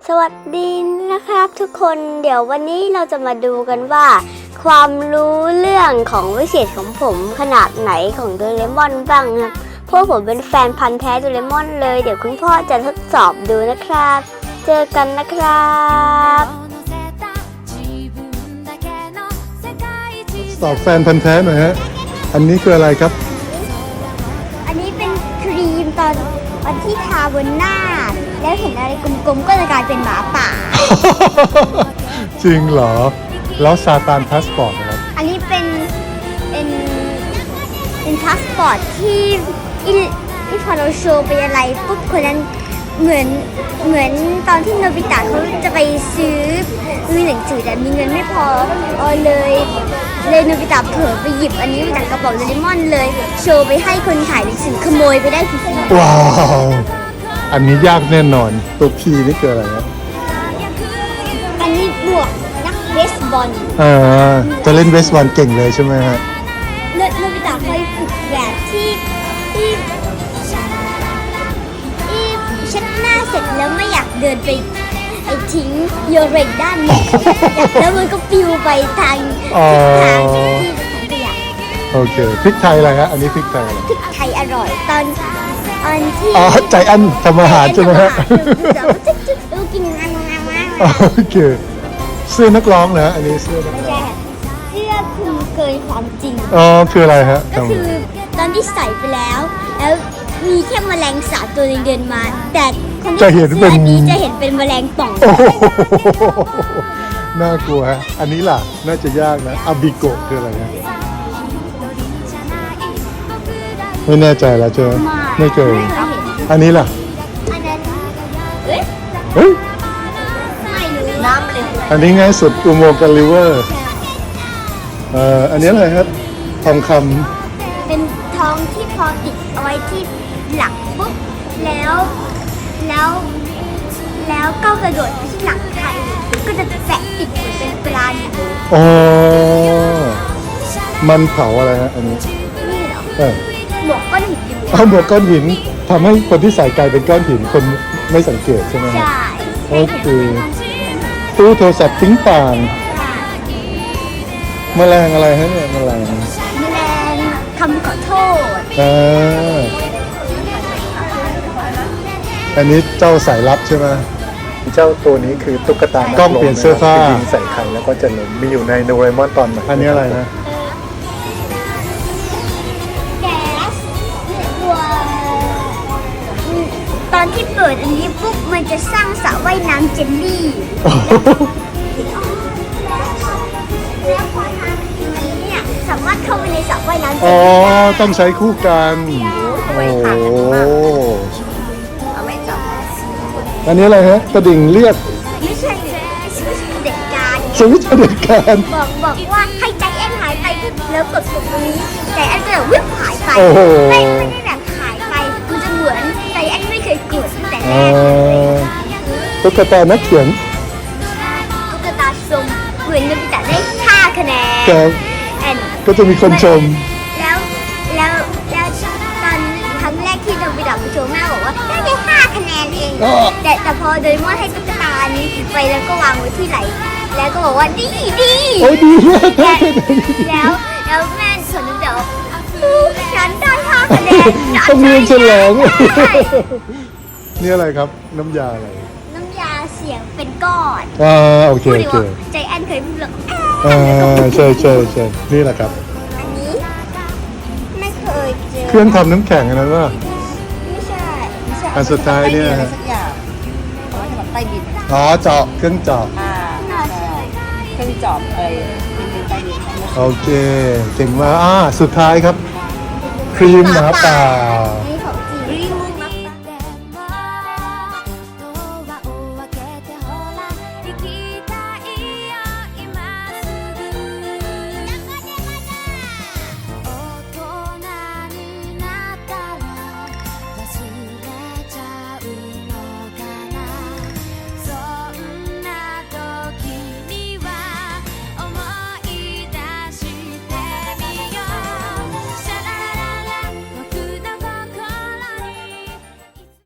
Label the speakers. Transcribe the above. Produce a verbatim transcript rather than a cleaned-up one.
Speaker 1: สวัสดีนะครับทุกคนเดี๋ยววันนี้เราจะมาดูกันว่า ความรู้เรื่องของวิเศษของผมขนาดไหนของโดเรมอนบ้างครับเพราะผมเป็นแฟนพันธุ์แท้โดเรมอนเลยเดี๋ยวคุณพ่อจะทดสอบดูนะครับเจอกันนะครับ
Speaker 2: สอบแฟนพันธุ์แท้หน่อยฮะอันนี้คืออะไรครับ
Speaker 1: อันนี้เป็นครีมตอนตอนที่ทาบนหน้าแล้วเห็นอะไรกลมๆก็จะกลายเป็นหมาป่า
Speaker 2: จริงเหรอแล้วซาตานพาสปอร์ตนะครับ
Speaker 1: อันนี้เป็นเป็นเป็นพาสปอร์ตที่ที่ที่พอเราโชว์ไปอะไรปุ๊บคนนั้นเหมือนเหมือนตอนที่โนบิตะเขาจะไปซื้อซื้อหนังสือแต่มีเงินไม่พอเออเลยเลยโนบิตะเผลอไปหยิบอันนี้มาจากกระเป๋าโดเรมอนเลยโชว์ไปให้คนขายหนังสือขโมยไปได้ฟรีๆ
Speaker 2: ว้าวอันนี้ยากแน่นอนตัวพีนี่คืออะไรครับ
Speaker 1: อันนี้บวกนักเบสบอล
Speaker 2: อ่าจะเล่นเบสบอลเก่งเลยใช่ไหมฮะ
Speaker 1: โนบิตะเคยฝึกแบบที่ที่ที่เช็ดหน้าเสร็จแล้วไม่อยากเดินไปไอ้ทิ้งโยเรนด้านนี้แล้วมันก็ปิวไปทางทางที่ขยะ
Speaker 2: โอเคพริกไทยอะไรฮะอันนี้พริกไทยอะไร
Speaker 1: พริกไทยอร่อยตอนตอนที่
Speaker 2: อ๋อใจอันทำอาหารใช่ไหมฮะ
Speaker 1: ดูกินงานงานงาน
Speaker 2: โอเคเสื้อนักร้องนะอันนี้เสื้อนักร้อง
Speaker 1: เสื้อคลุมเกินความจริง
Speaker 2: อ๋อคืออะไรฮะ
Speaker 1: ก็คือตอนที่ใส่ไปแล้วแล้วมีแค่แมลงสาบตัวนึงเดินมาแต่คนที่ใส่เสื้อนี้จะเห็นเป็นแมลงป่อง
Speaker 2: น่ากลัวฮะอันนี้ล่ะน่าจะยากนะอาบิโกะคืออะไรฮะไม่แน่ใจแล้วเจอไม่เคยอันนี้ล่ะ
Speaker 1: อันนั้นเฮ้ย
Speaker 2: เฮ้ย
Speaker 1: ไม่รู้น้ำเลย
Speaker 2: อันนี้ง่ายสุดอุโมงค์กันริเวอร์เอ่ออันนี้อะไรครับทองค
Speaker 1: ำเป็นทองที่พอติดเอาไว้ที่หลังปุ๊บแล้วแล้วแล้วก็กระโดดไปที่หลังใครก็จะแปะติดเหมือนเป็นปลาอยู่
Speaker 2: อ๋อมันเผาอะไรฮะอันนี้
Speaker 1: นี่เหรอ
Speaker 2: เออ
Speaker 1: หมวกก้อนหิน
Speaker 2: เอาหมวกก้อนหินทำให้คนที่ใส่กลายเป็นก้อนหินคนไม่สังเกตใช่ไหม
Speaker 1: ใช่
Speaker 2: โอเคตู้โทรศัพท์ทิ้งต่างแมลงอะไรฮะเนี่ยแมลง
Speaker 1: แมลงคำขอโทษ
Speaker 2: อ่าอันนี้เจ้าสายลับใช่ไหม
Speaker 3: เจ้าตัวนี้คือตุ๊กตาก
Speaker 2: ล้องเปลี่ยนเสื้อผ้า
Speaker 3: ยิงใส่ใครแล้วก็จะล้มมีอยู่ในโดเรมอนตอนไหน
Speaker 2: อันนี้อะไรนะ
Speaker 1: แก๊สตัวตอนที่เปิดอันนี้ปุ๊บมันจะสร้างสระว่ายน้ำเจลลี่แล้วพอทำอันนี้เนี่ยสามารถเข้าไปในสระว่ายน้ำเจลลี่
Speaker 2: อ๋อต้องใช้คู่กันโอ้อันนี้อะไรฮะกระดิ่งเรียก
Speaker 1: ไม่ใช่สวิตช์เด็กการ
Speaker 2: สวิตช์เด็กการ
Speaker 1: บอกบอกว่าให้ใจแอนหายไปแล้วกดปุ่มตรงนี้ใจแอนก็จะวิ่งหายไปไม่ไม่ได้แบบหายไปมันจะเหมือนใจแอนไม่เคยกดตั้งแต่แรก
Speaker 2: ตุ๊กตานักเขียน
Speaker 1: ตุ๊กตาชมเหมือนโนบิตะได้ห้าคะแนน
Speaker 2: ก็จะมีคนชม
Speaker 1: แล้วแล้วแล้วตอนครั้งแรกที่โนบิตะไปโชว์แม่บอกว่าได้แค่ห้าคะแนนเองแต่แต่พอโดเรมอนให้ตุ๊กตานี้ไปแล้วก็วางไว้ที่ไหลแล้วก็บอกว่าดีดี
Speaker 2: โอ้ยดี
Speaker 1: แล้วแล้วแม่ส่วนนึงเดี๋ยวฉันได้ห้าคะแนน
Speaker 2: ต้องมีเฉลยนี่อะไรครับน้ำยาอะไร
Speaker 1: น้ำยาเสียงเป็นก้อน
Speaker 2: อ่าโอเคโอเค
Speaker 1: ใจแอนเคยพูดหรอก
Speaker 2: อ่าใช่ใช่ใช่นี่แหละครับ
Speaker 1: อันนี้ไม่เคยเจอ
Speaker 2: เครื่องทำน้ำแข็งอันนั้นว่า
Speaker 1: ไม่ใช่ไม่ใช่
Speaker 2: อันสุดท้ายเนี่ยอ๋อเจาะเครื่องเจาะ
Speaker 4: เครื่องจอบอะไร
Speaker 2: โอเคเก่งมากอ่าสุดท้ายครับครีมหมาป่า